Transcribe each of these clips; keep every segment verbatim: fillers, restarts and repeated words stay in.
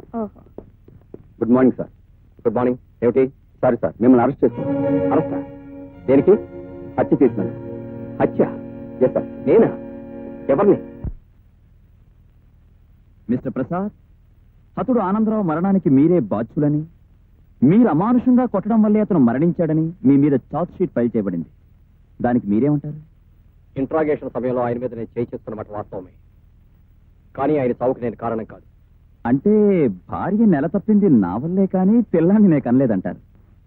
Good morning sir. Good morning. ఏమిటి? Sorry sir, మిమ్మల్ని arrest చేస్తాం. అరెస్టా? దేనికి? హత్య చేసినాను. హత్య? Yes sir. నేనా? ఎవరిని? మిస్టర్ ప్రసాద్, అతడు ఆనందరావు మరణానికి మీరే బాధ్యులని, మీరు అమానుషంగా కొట్టడం వల్లే అతను మరణించాడని మీ మీద చార్జ్ షీట్ ఫైల్ చేయబడింది. దానికి మీరేమంటారు? ఇంట్రాగేషన్ సమయంలో ఆయన మీద నేను చేయి చేస్తున్నమాట వాస్తవమే, కానీ ఆయన చావుకు నేను కారణం కాదు. అంటే భార్య నెల తప్పింది నా వల్లే కానీ పిల్లాన్ని నేను కనలేదంటారు.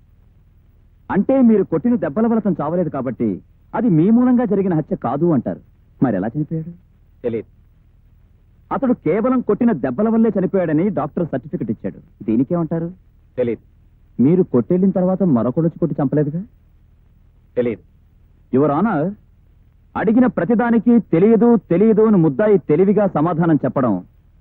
అంటే మీరు కొట్టిన దెబ్బల వల్ల అతను చావలేదు కాబట్టి అది మీ మూలంగా జరిగిన హత్య కాదు అంటారు. మరి ఎలా చనిపోయాడు? తెలియదు. అతడు కేవలం కొట్టిన దెబ్బల వల్లే చనిపోయాడని డాక్టర్ సర్టిఫికెట్ ఇచ్చాడు. దీనికేమంటారు? తెలియదు. మీరు కొట్టెళ్ళిన తర్వాత మరొకడొచ్చి కొట్టి చంపలేదుగా? తెలియదు. యువర్ ఆనర్, అడిగిన ప్రతిదానికి తెలియదు తెలియదు అని ముద్దాయి తెలివిగా సమాధానం చెప్పడం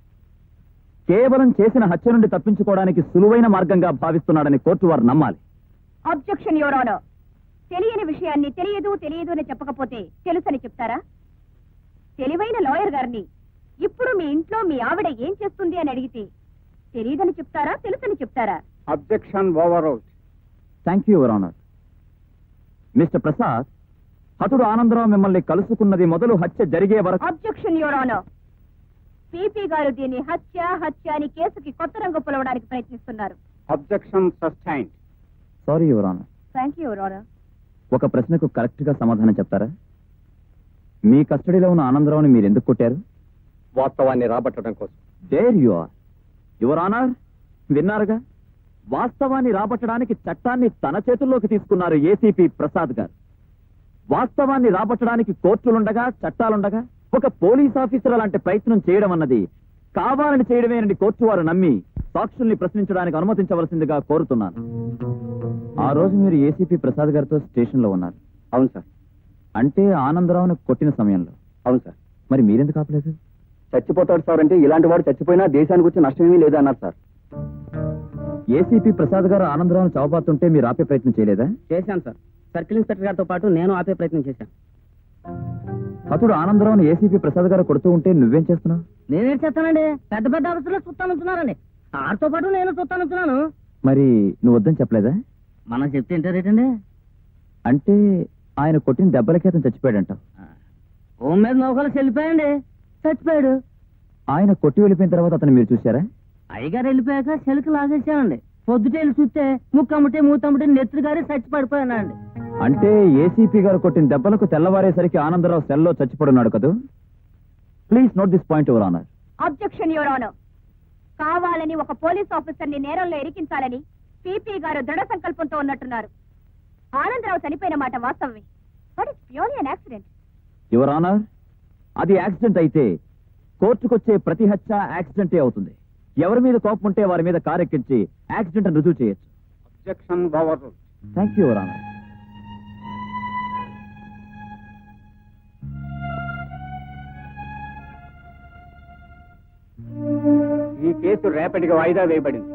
కేవలం చేసిన హత్య నుండి తప్పించుకోవడానికి సులువైన మార్గంగా భావిస్తున్నాడని కోర్టు వారు నమ్మాలి. Objection your honour. తెలియని విషయాన్ని తెలియదు తెలియదు అని చెప్పకపోతే తెలుసని చెప్తారా? తెలివైన లాయర్ గారిని ఇప్పుడు మీ ఇంట్లో మీ ఆవిడ ఏం చేస్తుంది అని అడిగితే తెలియదని చెప్తారా, తెలుసని చెప్తారా? Objection overruled. Thank you your honour. Mister Prasad, హతుడు ఆనందరావు మిమ్మల్ని కలుసుకున్నది మొదలు హత్య జరిగే వరకు. Objection your honour. పీపీ గారు దీన్ని హత్య హత్య అని కేసుకి కొత్త రంగు పొలవడానికి ప్రయత్నిస్తున్నారు. Objection sustained. Sorry your honour. Thank you your honour. ఒక ప్రశ్నకు కరెక్ట్ గా సమాధానం చెప్తారా? మీ కస్టడీలో ఉన్న ఆనందరావుని మీరు ఎందుకు కొట్టారు? వాస్తవాన్ని రాబట్టడం కోసం. There you are. Your honour, విన్నారుగా, వాస్తవాన్ని రాబట్టడానికి చట్టాన్ని తన చేతుల్లోకి తీసుకున్నారు ఏసీపీ ప్రసాద్ గారు. వాస్తవాన్ని రాబట్టడానికి కోర్టులుండగా చట్టాలుండగా ఒక పోలీస్ ఆఫీసర్ అలాంటి ప్రయత్నం చేయడం అన్నది కావాలని చేయడమేనని కోర్టు వారు నమ్మి సాక్షుల్ని ప్రశ్నించడానికి అనుమతించవలసిందిగా కోరుతున్నాను. ఆ రోజు మీరు ఏసీపీ ప్రసాద్ గారితో స్టేషన్ లో ఉన్నారు. అవును సార్. అంటే ఆనందరావును కొట్టిన సమయంలో. అవును సార్. మరి మీరెందుకు ఆపలేదు? చచ్చిపోతాడు సార్ అంటే ఇలాంటి వాడు చచ్చిపోయినా దేశానికి వచ్చి నష్టమేమీ లేదా అన్నారు సార్. ఏసీపీ ప్రసాద్ గారు ఆనందరావును చావబాతుంటే మీరు ఆపే ప్రయత్నం చేయలేదా? చేశాను సార్. సర్కిల్ ఇన్స్పెక్టర్ గారితో పాటు నేను ఆపే ప్రయత్నం చేశాను. అతడు ఆనందరావును ఏసీపీ ప్రసాద్ గారు కొడుతూ ఉంటే నువ్వేం చేస్తున్నావు? నేనేం చేస్తానండి, పెద్ద పెద్ద ఆఫీసులో చూస్తానంటున్నారండి. ఆడితో పాటు నేను చూస్తానంటున్నాను. మరి నువ్వు వద్దని చెప్పలేదా? మనం చెప్తే ఏంటారేటండి? అంటే ఆయన కొట్టిన దెబ్బలకి అతను చచ్చిపోయాడంట. హోమ్ మీద నౌకలు చెల్లిపోయండి, చచ్చిపోయాడు. ఆయన కొట్టి వెళ్ళిపోయిన తర్వాత అతను మీరు చూశారా? అయ్యగారు వెళ్ళిపోయాక చెలుకు లాగేసామండి. పొద్దుటేళ్ళు చూస్తే ముక్కమ్మటే మూతమ్మటే నెత్తురు గారి చచ్చి పడిపోయానండి. అంటే ఏసీపీ గారు కొట్టిన దెబ్బలకు తెల్లవారేసరికి ఆనందరావు సెల్లో చచ్చిపడున్నాడు కదా? Please note this point your honour. Objection your honour. కావాలని ఒక పోలీస్ ఆఫీసర్ ని నేరంలో ఇరికించాలని పీపీ గారు దృఢ సంకల్పంతో ఉన్నట్టున్నారు. ఆనందరావు చనిపోయిన మాట వాస్తవమే, but it's purely an accident. Your honour, అది యాక్సిడెంట్ అయితే కోర్టుకొచ్చే ప్రతి హత్య యాక్సిడెంటే అవుతుంది. ఎవరి మీద కోపం ఉంటే వారి మీద కారెక్కించి యాక్సిడెంట్ రుజువు చేయొచ్చు. Objection overruled. Thank you your honour. ఈ కేసు రేపటికి వాయిదా వేయబడింది.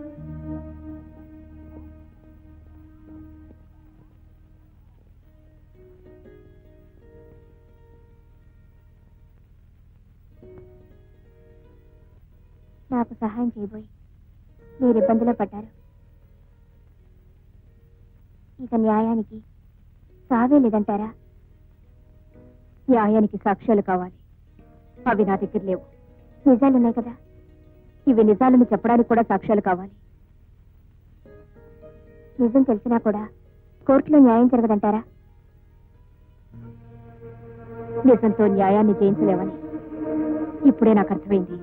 నాకు సహాయం చేయబోయి మీరు ఇబ్బందిలో పడ్డారు. ఇక న్యాయానికి సావే లేదంటారా? న్యాయానికి సాక్ష్యాలు కావాలి. అవి నా దగ్గర లేవు. నిజాలున్నాయి కదా, ఇవి నిజాలను చెప్పడానికి కూడా సాక్ష్యాలు కావాలి. నిజం తెలిసినా కూడా కోర్టులో న్యాయం జరగదంటారా? నిజంతో న్యాయాన్ని జయించలేవని ఇప్పుడే నాకు అర్థమైంది.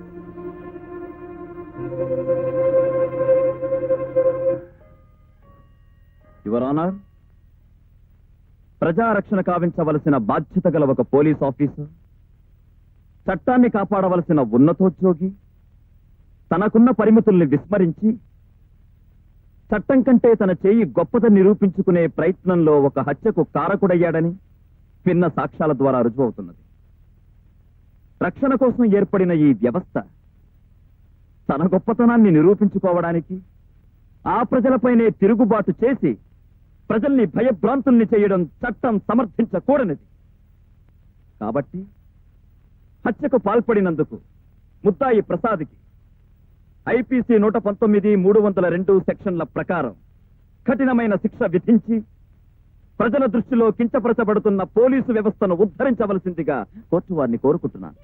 యువర్ ఆనర్, ప్రజారక్షణ కావించవలసిన బాధ్యత గల ఒక పోలీస్ ఆఫీసర్, చట్టాన్ని కాపాడవలసిన ఉన్నతోద్యోగి తనకున్న పరిమితుల్ని విస్మరించి చట్టం కంటే తన చేయి గొప్పదని నిరూపించుకునే ప్రయత్నంలో ఒక హత్యకు కారకుడయ్యాడని విన్న సాక్ష్యాల ద్వారా రుజువవుతున్నది. రక్షణ కోసం ఏర్పడిన ఈ వ్యవస్థ తన గొప్పతనాన్ని నిరూపించుకోవడానికి ఆ ప్రజలపైనే తిరుగుబాటు చేసి ప్రజల్ని భయభ్రాంతుల్ని చేయడం చట్టం సమర్థించకూడనిది. కాబట్టి హత్యకు పాల్పడినందుకు ముద్దాయి ప్రసాద్కి ఐపీసీ నూట పంతొమ్మిది మూడు వందల రెండు సెక్షన్ల ప్రకారం కఠినమైన శిక్ష విధించి ప్రజల దృష్టిలో కించపరచబడుతున్న పోలీసు వ్యవస్థను ఉద్ధరించవలసిందిగా కోర్టు వారిని కోరుకుంటున్నాను.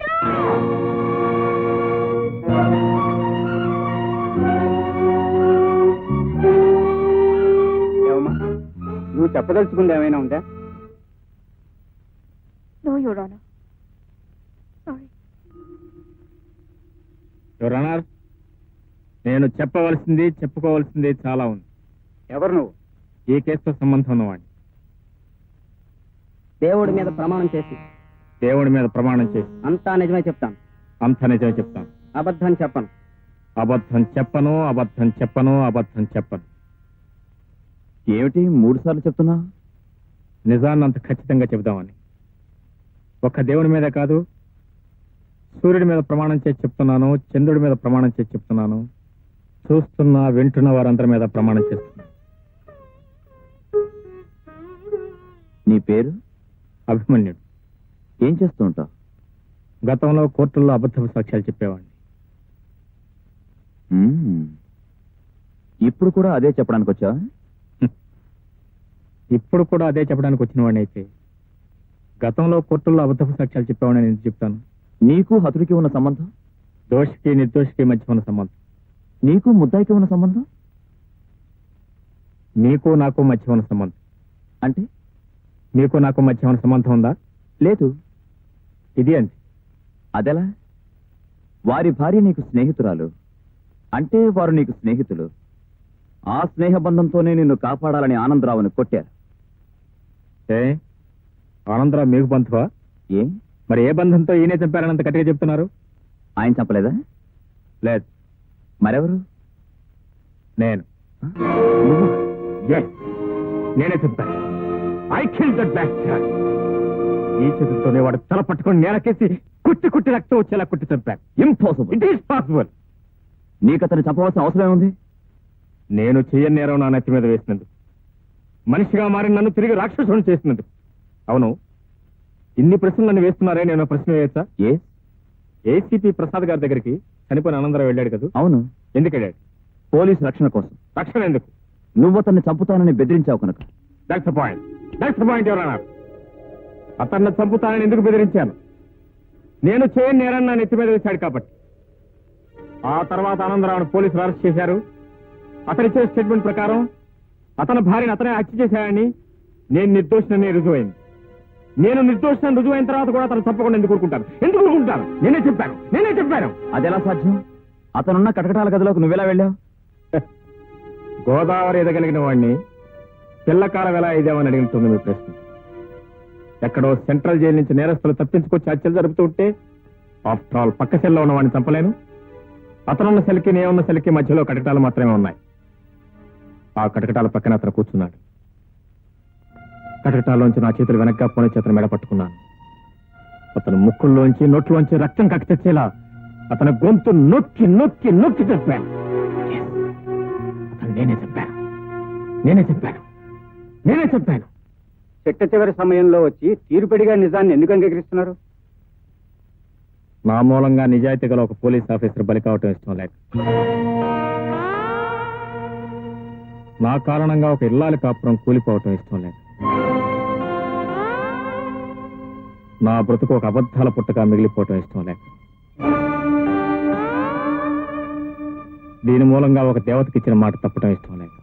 ఏమమ్మా, నువ్వు చెప్పదలుచుకుంది ఏమైనా ఉందా? No your honour. Sorry. Your honour, నేను చెప్పవలసింది చెప్పుకోవాల్సింది చాలా ఉంది. ఎవరు నువ్వు? ఈ కేసుతో సంబంధం ఉన్నవాడిని. దేవుడి మీద ప్రమాణం చేసి దేవుడి మీద ప్రమాణం చేసి అంతా నిజమే చెప్తాను, అంత నిజమే చెప్తాను. అబద్ధం చెప్పను. అబద్ధం చెప్పను, అబద్ధం చెప్పను, అబద్ధం చెప్పను. ఏమిటి మూడు సార్లు చెప్తున్నా? నిజాన్ని అంత ఖచ్చితంగా చెబుదామని. ఒక్క దేవుడి మీద కాదు, సూర్యుడి మీద ప్రమాణం చేసి చెప్తున్నాను, చంద్రుడి మీద ప్రమాణం చేసి చెప్తున్నాను, చూస్తున్న వింటున్న వారందరి మీద ప్రమాణం చేస్తున్నాను. నీ పేరు? అభిమన్యుడు. ఏం చేస్తూ ఉంటావు? గతంలో కోర్టుల్లో అబద్ధపు సాక్ష్యాలు చెప్పేవాడిని. మ్మ్. ఇప్పుడు కూడా అదే చెప్పడానికి వచ్చా? ఇప్పుడు కూడా అదే చెప్పడానికి వచ్చిన వాడిని అయితే గతంలో కోర్టుల్లో అబద్ధపు సాక్ష్యాలు చెప్పేవాడిని నేను చెప్తాను. నీకు హతుడికి ఉన్న సంబంధం? దోషికి నిర్దోషికి మధ్య ఉన్న సంబంధం. నీకు ముద్దాయికి ఉన్న సంబంధం? నీకు నాకు మధ్య ఉన్న సంబంధం. అంటే నీకు నాకు మధ్య ఉన్న సంబంధం ఉందా? లేదు. ఇది అంతే. అదెలా? వారి భార్య నీకు స్నేహితురాలు అంటే వారు నీకు స్నేహితులు. ఆ స్నేహ బంధంతోనే నిన్ను కాపాడాలని ఆనందరావుని కొట్టారు. ఏ ఆనందరావు మీకు బంధువా? ఏ మరి ఏ బంధంతో ఈయనే చంపారనంత గట్టిగా చెప్తున్నారు? ఆయన చంపలేదా? లేదు. మరెవరు? నేను. నువ్వు? Yes, నేనే చంపాను. I kill that bastard. ఈ చేతులతోనే వాడు తల పట్టుకొని నేలకేసి కుట్టి కుట్టి రక్తం వచ్చేలా కుట్టి చంపాను. ఇంపాసిబుల్. It is possible. నీకు అతను చంపవలసిన అవసరం ఏముంది? నేను చెయ్యని నేరం నా నెత్తి మీద వేసినందుకు, మనిషిగా మారి నన్ను తిరిగి రాక్షసుని చేసినందుకు. అవును, ఇన్ని ప్రశ్నలు నన్ను వేస్తున్నారే, నేను ప్రశ్న వేయచ్చా? ఏ ఏసీపీ ప్రసాద్ గారి దగ్గరికి చనిపోయిన ఆనందరావు వెళ్ళాడు కదా? అవును. ఎందుకు వెళ్ళాడు? పోలీసు రక్షణ కోసం. రక్షణ ఎందుకు? నువ్వు అతన్ని చంపుతానని బెదిరించావు కనుక. That's the point. That's the point ఎవరన్నా. అతన్ని చంపుతానని ఎందుకు బెదిరించాను? నేను చేయని నేరాన్ని నా నెత్తి మీద వేశాడు కాబట్టి. ఆ తర్వాత ఆనందరావును పోలీసులు అరెస్ట్ చేశారు. అతనిచ్చే స్టేట్మెంట్ ప్రకారం అతని భార్యను అతనే హత్య చేశాడని, నేను నిర్దోషినని రుజువైంది. నేను నిర్దోషిని రుజువైన తర్వాత కూడా అతను తప్పకుండా ఎందుకు ఊరుకుంటాను? ఎందుకు ఊరుకుంటాను? నేనే చెప్పాను, నేనే చెప్పాను. అదెలా సాధ్యం? అతనున్న కటకటాల గదిలోకి నువ్వెలా వెళ్ళావు? గోదావరి ఎదగలిగిన వాడిని పిల్లకాలం ఎలా ఇదేమని అడిగినట్టుంది మీ ప్రశ్న. ఎక్కడో సెంట్రల్ జైలు నుంచి నేరస్తులు తప్పించుకొచ్చి హత్యలు జరుపుతూ ఉంటే ఆఫ్టర్ ఆల్ పక్క సెల్లో ఉన్న వాడిని చంపలేను. అతనున్న సెల్కి నేనున్న సెల్కి మధ్యలో కటకటాలు మాత్రమే ఉన్నాయి. ఆ కటకటాల పక్కన అతను కూర్చున్నాడు. కటకటాల్లోంచి నా చేతులు వెనక్గా పోనీ చేతను మెడ పట్టుకున్నాను. అతను ముక్కుల్లోంచి నోట్లోంచి రక్తం కక్కిచ్చేలా అతని గొంతు నొక్కి నొక్కి నొక్కి చెప్పాను. అతను నేనే చెప్పాను, నేనే చెప్పాను, నేనే చెప్పాను. చిట్ట చివరి సమయంలో వచ్చి తీరుపడిగా నిజాన్ని ఎందుకు అంగీకరిస్తున్నారు? నా మూలంగా నిజాయితీ గల ఒక పోలీస్ ఆఫీసర్ బలి కావటం ఇష్టం లేక, నా కారణంగా ఒక ఇల్లాలి కాపురం కూలిపోవటం ఇష్టం లేక, నా బ్రతుకు ఒక అబద్ధాల పుట్టగా మిగిలిపోవటం ఇష్టం లేక, దీని మూలంగా ఒక దేవతకి ఇచ్చిన మాట తప్పటం ఇష్టం లేక.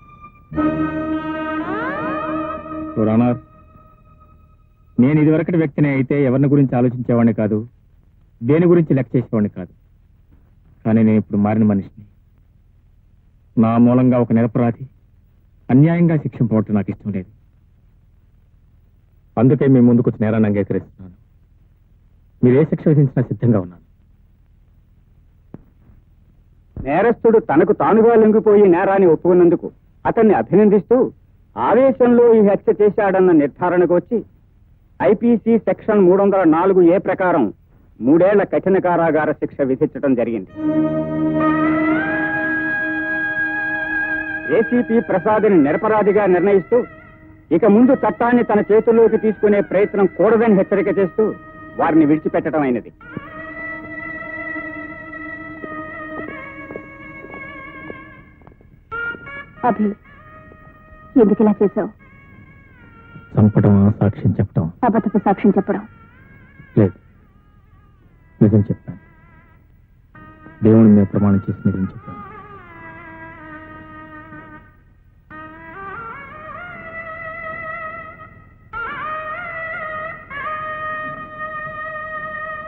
రానర్, నేను ఇదివరకటి వ్యక్తిని అయితే ఎవరిని గురించి ఆలోచించేవాడిని కాదు, దేని గురించి లెక్క చేసేవాడిని కాదు. కానీ నేను ఇప్పుడు మారిన మనిషిని. నా మూలంగా ఒక నిరపరాధి అన్యాయంగా శిక్షింపవటం నాకు ఇష్టం లేదు. అందుకే మీ ముందుకు వచ్చి నేరాన్ని అంగీకరిస్తున్నాను. మీరు ఏ శిక్ష విధించినా సిద్ధంగా ఉన్నాను. నేరస్తుడు తనకు తానుగా లొంగిపోయి నేరాన్ని ఒప్పుకున్నందుకు అతన్ని అభినందిస్తూ ఆవేశంలో ఈ హత్య చేశాడన్న నిర్ధారణకు వచ్చి ఐపీసీ సెక్షన్ మూడు వందల నాలుగు ఏ ప్రకారం మూడేళ్ల కఠిన కారాగార శిక్ష విధించడం జరిగింది. ఏసీపీ ప్రసాద్ని నిరపరాధిగా నిర్ణయిస్తూ ఇక ముందు చట్టాన్ని తన చేతుల్లోకి తీసుకునే ప్రయత్నం కూడదని హెచ్చరిక చేస్తూ వారిని విడిచిపెట్టడం అయినది. అభి ఎందుకు ఇలా చేసావు? చంపడం సాక్ష్యం చెప్పడం అబద్ధపు సాక్ష్యం చెప్పడం. లేదు, నిజం చెప్పాను. దేవుని మీద ప్రమాణం చేసి నిజం చెప్పాను.